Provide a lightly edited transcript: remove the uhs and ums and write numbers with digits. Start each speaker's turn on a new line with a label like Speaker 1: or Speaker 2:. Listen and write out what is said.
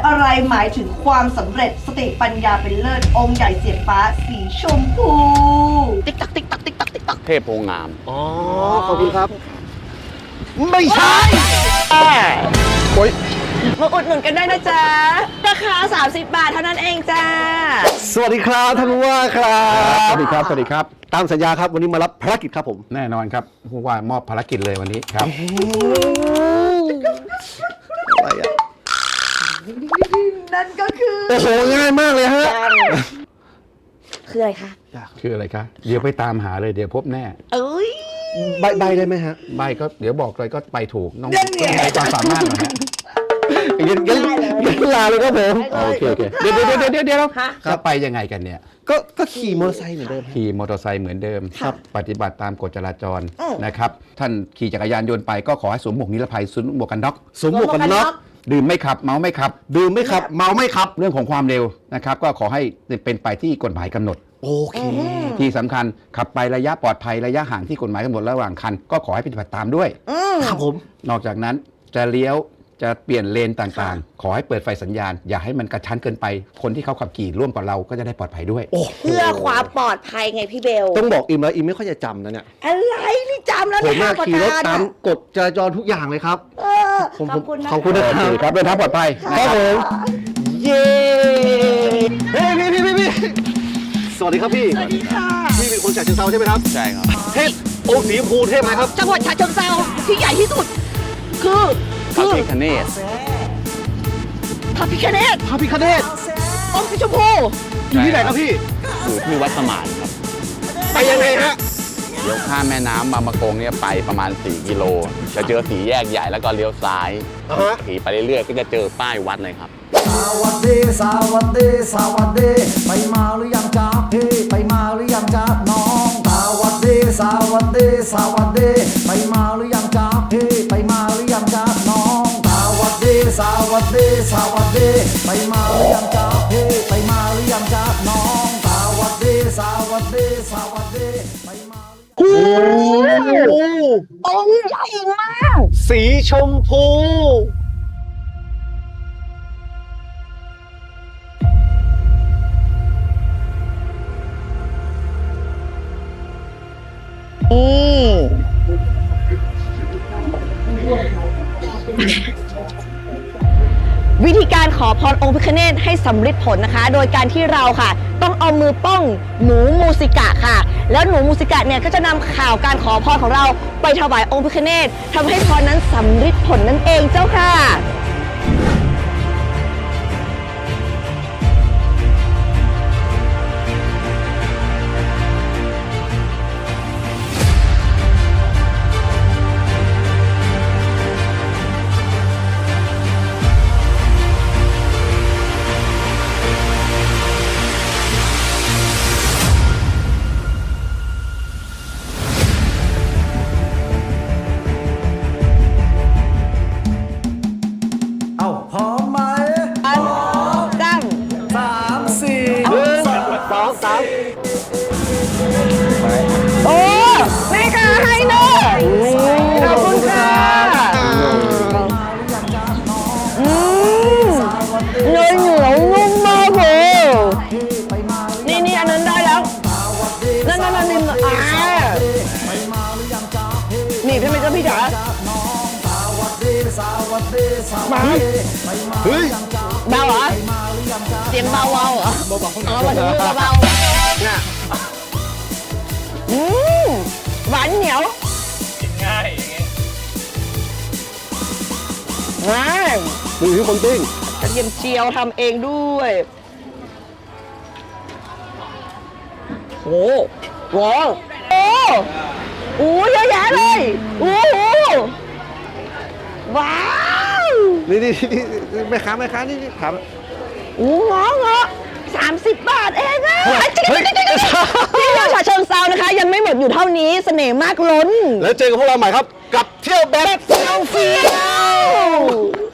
Speaker 1: อะไรหมายถึงความสำเร็จสติปัญญาเป็นเลิศองค์ใหญ่เสียงฟ้าสีชมพูติ๊กตักติ๊กตักติ๊กตักติ๊กตัก
Speaker 2: เทพโพงาม
Speaker 3: อ๋อ ขอบคุณครับ ไม่ใช่ โอ๊ย
Speaker 4: มาอุดหนุนกันได้นะจ๊ะ ราคา 30 บาทเท่านั้นเองจ้า
Speaker 3: สวัสดีครับท่านผู้ว่าครับ
Speaker 2: สวัสดีครับ สวัสดีครับ
Speaker 3: ตามสัญญาครับวันนี้มารับภารกิจครับผม
Speaker 2: แน่นอนครับผู้ว่ามอบภารกิจเลยวันนี้ครับ
Speaker 3: อะไรอ่ะ
Speaker 1: นั่นก็คือ
Speaker 3: โอ้โหง่ายมากเลยฮะ
Speaker 4: คืออะไรคะ
Speaker 2: คืออะไรคะ เดี๋ยวไปตามหาเลยเดี๋ยวพบแน่
Speaker 4: เอ้ย
Speaker 3: ใบได้ไหมฮะ
Speaker 2: ใบก็เดี๋ยวบอกเลยก็ไปถูกน้องต้องใช้ความสามารถหน่อยฮะ
Speaker 3: งั้นลาเลยครับผม
Speaker 2: โอเคเดี๋ยวจะไปยังไงกันเนี่ย
Speaker 3: ก็ขี่มอเตอร์ไซค์เหมือนเดิม
Speaker 2: ขี่มอเตอร์ไซค์เหมือนเดิม
Speaker 3: ครับ
Speaker 2: ปฏิบัติตามกฎจราจรนะครับ ท่านขี่จักรยานยนต์ไปก็ขอให้สวมหมวกนิรภัยสวมหมวกกันน็อก
Speaker 3: สวมหมวกกันน็อก
Speaker 2: ดื่มไม่ขับเมาไม่ขับ
Speaker 3: ดื่มไม่ขับ เมาไม่ขับ
Speaker 2: เรื่องของความเร็วนะครับก็ขอให้เป็นไปที่กฎหมายกำหนด
Speaker 3: โอเค
Speaker 2: ที่สำคัญขับไประยะปลอดภัยระยะห่างที่กฎหมายกำหนดระหว่างคันก็ขอให้ปฏิบัติตามด้วย
Speaker 3: ครับผม
Speaker 2: นอกจากนั้นจะเลี้ยวจะเปลี่ยนเลนต่างๆ ขอให้เปิดไฟสัญญาณ อย่าให้มันกระชั้นเกินไป คนที่เขาขับขี่ร่วมกับเราก็จะได้ปลอดภัยด้วย
Speaker 3: โอ้
Speaker 4: เพื่อความปลอดภัยไงพี่เบล
Speaker 3: ต้องบอกอิมแล้วอิมไม่ค่อยจะจำนะเนี่ย
Speaker 4: อะไรนี่จำแล้ว
Speaker 3: ผม
Speaker 4: นะ
Speaker 3: มา
Speaker 4: ประ
Speaker 3: ขี่รถ
Speaker 4: ธาน
Speaker 3: ตามกฎจราจรทุกอย่างเลยครับ
Speaker 4: เออ
Speaker 3: ผม
Speaker 4: ขอบคุณนะ
Speaker 3: ขอบคุณนะ
Speaker 2: โอเคครับเดินทางปลอดภัย
Speaker 3: ครับผม เย้เฮ้ยพี่สวัสดีครับพี่
Speaker 4: สวัสดีค่ะ
Speaker 3: พี่เป็นคนจากเชียงเซาใช่ไหมครับ
Speaker 2: ใช่ครับ
Speaker 3: เทพองค์สีชมพูเทพไหมครับ
Speaker 4: จังหวัดฉะเชิงเทราที่ใหญ่ที่สุด คือ
Speaker 2: พระพิฆเนศ
Speaker 4: พระพิฆเนศ
Speaker 3: พระพิฆเนศ
Speaker 4: องค์สีชมพู
Speaker 3: อยู่ที่ไหนครับพี่
Speaker 2: อยู่ที่วัดสมานครับ
Speaker 3: ไปยังไงฮะ
Speaker 2: เดี๋ยวข้ามแม่น้ำบางมะกงเนี่ยไปประมาณ4กิโลจะเจอสี่แยกใหญ่แล้วก็เลี้ยวซ้าย
Speaker 3: อ่าฮะ
Speaker 2: ขี่ไปเรื่อยๆก็จะเจอป้ายวัดเลยครับ
Speaker 5: สวัสดีสวัสดีสวัสดีไปมาหรือยังจ๊ะพี่ไปมาหรือยังจ๊ะน้องสวัสดีสวัสดีสวัสดีไปมาหรือยังจ๊ะพี่ไปมาหรือยังจ๊ะน้องสวัสดีสวัสดีสวัสดีไปมาหรือยังจ๊ะพี่ไปมาหรือยังจ๊ะน้องสวัสดีสวัสดีสวัสดีไปมาหรือยัง
Speaker 4: องค์ใหญ่มาก
Speaker 3: สีชมพู
Speaker 4: วิธีการขอพรองค์พิฆเนศให้สำเร็จผลนะคะ โดยการที่เราค่ะ ต้องเอามือป้องหนูมูสิกะค่ะ แล้วหนูมูสิกะเนี่ยก็จะนำข่าวการขอพรของเราไปถวายองค์พิฆเนศทำให้พรนั้นสำเร็จผลนั่นเองเจ้าค่ะ
Speaker 5: เอ้าพร้อมไหม
Speaker 4: จ้ำ
Speaker 5: 3 4
Speaker 3: 2 3
Speaker 4: โอ้แม่ค่ะให้เนอะขอบคุณค่ะเนยเหนียวนุ่มมากเลยนี่อันนั้นได้แล้วนั่นนี่นี่พี่ไม่จะพี่จ๋ามา
Speaker 3: เฮ้ย
Speaker 4: เบาเหรอเสียงเบาเหรอมาถึงมือเบา
Speaker 3: เนี่ย
Speaker 4: หวานเหนียวง่ายง่าย
Speaker 3: ดูที่คนปิ้ง
Speaker 4: กระเทียมเจียวทำเองด้วยโอ้โหโอ้โหเยอะแยะเลยโอ้โหว้าว
Speaker 3: นี่แม่ค้านี่ถาม
Speaker 4: โอ้เงาะ30 บาทเองอะ
Speaker 3: เฮ้ย
Speaker 4: ที่เราฉะเชิงเซานะคะ ยังไม่หมดอยู่เท่านี้เสน่ห์มากล้น
Speaker 3: แล้วเจอกับพวกเราใหม่ครับ กับเที่ยวแบบ
Speaker 4: เฟี้ยว